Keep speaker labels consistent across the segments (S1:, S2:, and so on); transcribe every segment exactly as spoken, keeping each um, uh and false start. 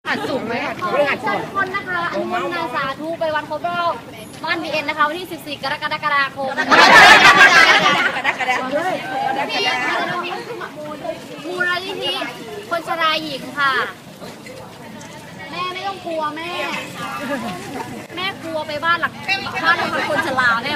S1: หัดสูงไหมหัด
S2: ขอ
S1: สูงหัด
S2: เชิ
S1: สู
S2: ญ
S1: ง
S2: ทุกคนนะคะอนุโมทนาสาธุไปวันครบรอบบ้านบีเอ็นนะคะวันที่สิบสี่กรกฎาคมที่มูลนิธิคนชราหญิงค่ะแม่ไม่ต้องกลัวแม่แม่กลัวไปบ้านหลังบ้านของคนชราแน่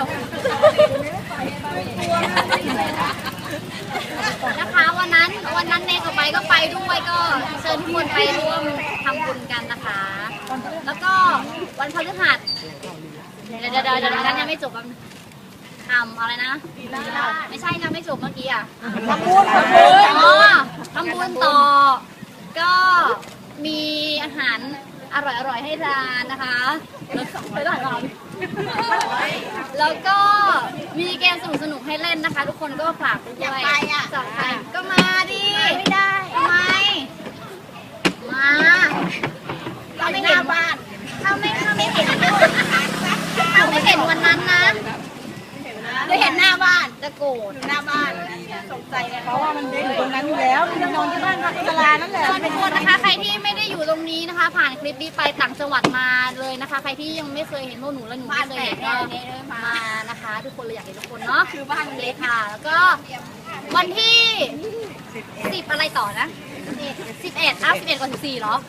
S2: นะคะวันนั้นวันนั้นเนก็ไปก็ไปด้วยก็เชิญทุกคนไปร่วมทำบุญกันนะคะ แล้วก็วันพฤหัสเดี๋ยวเดี๋ยวเดี๋ยวนั้นยังไม่จบทำอะไรนะไม่ใช่นะไม่จบเมื่อกี้อ่ะทำบุญทำบุญอ๋อทำบุญต่อก็มีอาหารอร่อยอร่อยให้ทานนะคะไปหลายรอบแล้วก็มีเกมสนุกสนุกให้เล่นนะคะ ทุกคนก็ฝากด้วยจับใครก็มาดิไม่ได้ทำไมมาเราไม่เห็นบ้านถ้าไม่ถ้าไม่เห็นถ้าไม่เห็นวันนั้นนะจะเห็นหน้าบ้านจะโกรธหน้าบ้านสงใจเลยเพราะว่ามันอยู่ตรงนั้นอยู่แล้วมันนอนที่บ้านพักตลาดนั่นแหละทุกคนนะคะใครที่ไม่ได้อยู่ตรงนี้นะคะ ผ่านคลิปนี้ไปต่างจังหวัดมาเลยนะคะใครที่ยังไม่เคยเห็นพวกหนูและหนูไม่เคยเห็นก็มานะคะทุกคนเลยอยากเห็นทุกคนเนาะคือบ้านเล็กค่ะแล้วก็วันที่สิบอะไรต่อนะสิบเอ็ดอ่ะสิบเอ็ดก่อนสิบสี่เหรอ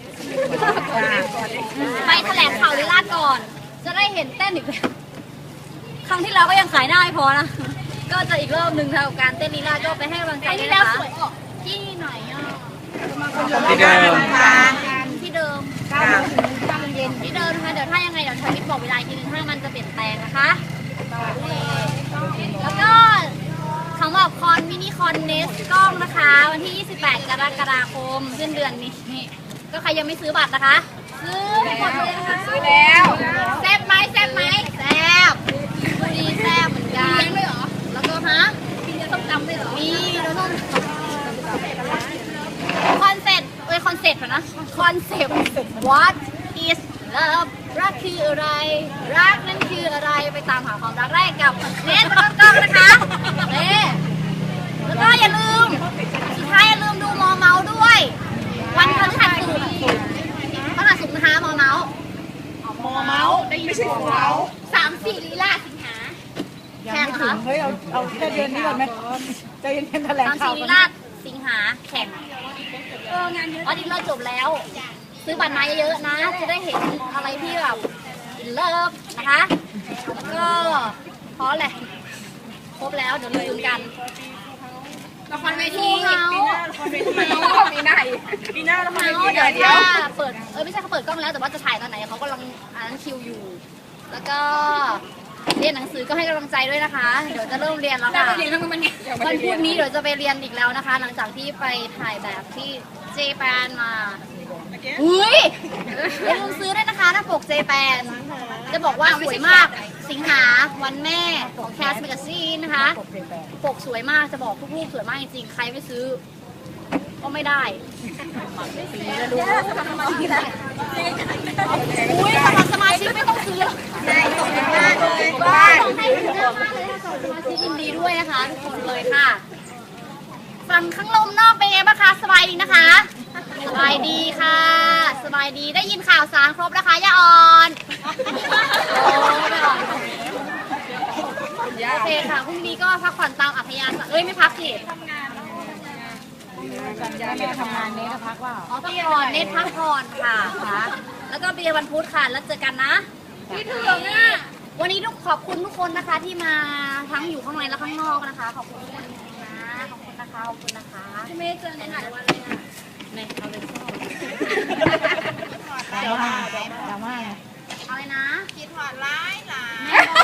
S2: ไปแถลงข่าวลีลาก่อนจะได้เห็นเต้นอีกครั้งที่เราก็ยังขายได้พอนะก็จะอีกรอบหนึ่งทางการเต้นลีลาก็ไปให้กำลังใจด้วยนะคะที่ไหนอ่ะ
S1: ที่เดิม
S2: ที่เดิมเก้าโมงถึงเก้าโมงเย็นที่เดิมนะคะเดี๋ยวถ้ายังไงเดี๋ยวทวิตบอกเวลาอีกทีนึงถ้ามันจะเปลี่ยนแปลงนะคะแล้วก็สำหรับคอนมินิคอนเนสกล้องนะคะวันที่ยี่สิบแปดกรกฎาคมสิ้นเดือนนี้ก็ใครยังไม่ซื้อบัตรนะคะซื้อหมดเลยนะคะซื้อแล้วแซ่บไหมแซ่บไหมแซ่บบุรีแซ่บเหมือนกันด้วยเหรอแล้วก็ฮะมีต้มยำด้วยเหรอมีแล้วต้มคอนเซ็ปต์เอ้ยคอนเซ็ปต์นะคอนเซ็ปต์ What is love รักคืออะไรรักนั่นคืออะไรไปตามหาความรักได้กับเนสกล้องนะคะเน่แล้วก็อย่าลืมสุดท้ายอย่าลืมดูมอเมาด้วยวันพฤหัสศุกร์พฤหัสศุกร์นะคะมอเมาส์มอเมาส์ไม่ใช่มอเมาส์สามสี่ลีลาสิงหาแข่งค่ะ
S1: เฮ้ยเอาเอาแค่เดือนนี้ก่อนไหมใจเย็นๆแถลงข่าว
S2: สามสี่ลีลาสิงหาแข่งเอองานเยอะอ๋อดิเราจบแล้วซื้อบัตรมาเยอะๆนะจะได้เห็นอะไรที่แบบเลิฟนะคะแล้วก็พอแหละครบแล้วเดี๋ยวลืมกันละครเวทีปีหน้าละครเวทีปีหน้าปีหน้าละครเวทีเดี๋ยวเดี๋ยวเปิดเออไม่ใช่เขาเปิดกล้องแล้วแต่ว่าจะถ่ายตอนไหนเขากำลังอ่านคิวอยู่แล้วก็เรียนหนังสือก็ให้กำลังใจด้วยนะคะเดี๋ยวจะเริ่มเรียนแล้วค่ะวันพุธนี้เดี๋ยวจะไปเรียนอีกแล้วนะคะ หลังจากที่ไปถ่ายแบบที่เจแปนมาอุ้ยอย่าลืมซื้อด้วยนะคะหน้าปกเจแปนจะบอกว่าสวยมากสิงหาวันแม่ของแคสเมกาซีนนะคะปกสวยมากจะบอกทุกรูปสวยมากจริงๆใครไม่ซื้อก็ไม่ได้อุ้ยสมัครสมาชิกไม่ต้องซื้อได้ส่งให้บ้านเลยบ้านส่งให้ถึงหน้าบ้านเลยส่งสมาชิกยินดีด้วยนะคะทุกคนเลยค่ะฝั่งข้างลมนอกเป็นไงบ้างคะสบายดีนะคะสบายดีค่ะสบายดีได้ยินข่าวสารครบนะคะย่าอ่อนโอ้ไม่อ่อนโอเคค่ะพรุ่งนี้ก็พักผ่อนตามอัธยาศัยเอ้ยไม่พักสิทำงานไม่ทำงานเนทพักว่าอ๋อพักผ่อนเนทพักผ่อนค่ะค่ะแล้วก็เบียร์วันพุธค่ะแล้วเจอกันนะพี่ถึงอ่ะวันนี้ทุกขอบคุณทุกคนนะคะที่มาทั้งอยู่ข้างในและข้างนอกนะคะขอบคุณทุกคนนะขอบคุณนะคะขอบคุณนะคะที่ไม่เจอในหลายวันเลยอ่ะในเอาเลยเข้าเดี๋ยวมาเดี๋ยวมาอะไรนะคิดหวานร้ายหลาย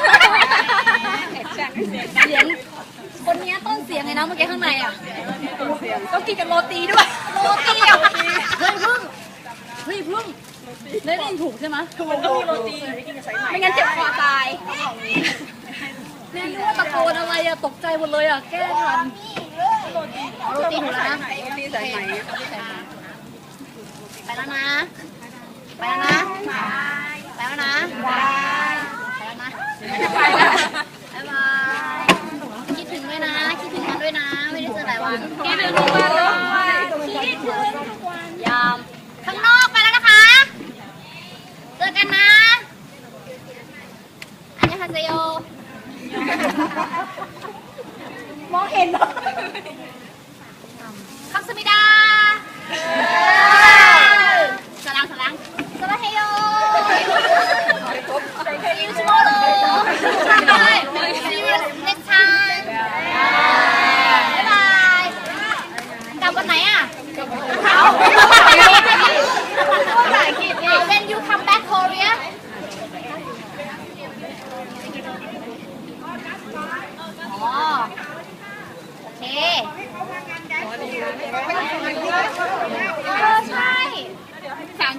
S2: เสียงคนนี้ต้นเสียงไงนะเมื่อกี้ข้างในอ่ะต้องกินกับโรตีด้วยโรตีอ่ะเฮ้ยพึ่งเฮ้ยพึ่งได้ยินถูกใช่ไหมถูกต้องมีโรตีไม่งั้นเจ็บคอตายเนี่ยนึกว่าตะโกนอะไรอะตกใจหมดเลยอะแก้ทันโรตีถูกแล้วนะโรตีสายไหมไปแล้วนะไปแล้วนะไปแล้วนะไปแล้วนะไปแล้วบ๊ายบายคิดถึงด้วยนะคิดถึงกันด้วยนะไม่ได้เจอหลายวันคิดถึงทุกวันเลยคิดถึงทุกวันยามข้างนอกไปแล้วนะคะ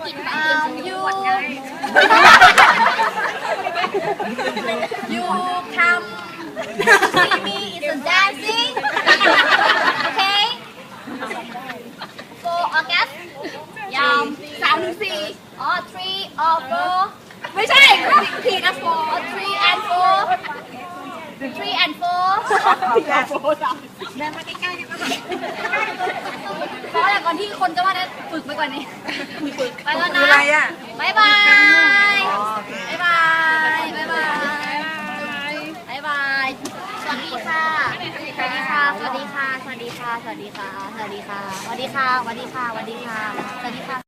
S2: กินไปเตรียมยูยูคำ see me is a dancing okay four August ยามสามถึงสี่อ๋อ three or four ไม่ใช่ผิดนะ four three and four three and four
S1: เดินมาใกล้ๆดีกว่า
S2: เพราะอย่างก่อนที่คนจะว่าได้ฝึกไปก่อนนี้ฝึกไปแล้วนะ
S1: อะไรอ่ะ
S2: บายบายบายบายบายบายบายบายสวัสดีค่ะสวัสดีค่ะ สวัสดีค่ะ สวัสดีค่ะ สวัสดีค่ะ สวัสดีค่ะ สวัสดีค่ะ สวัสดีค่ะ สวัสดีค่ะ สวัสดีค่ะ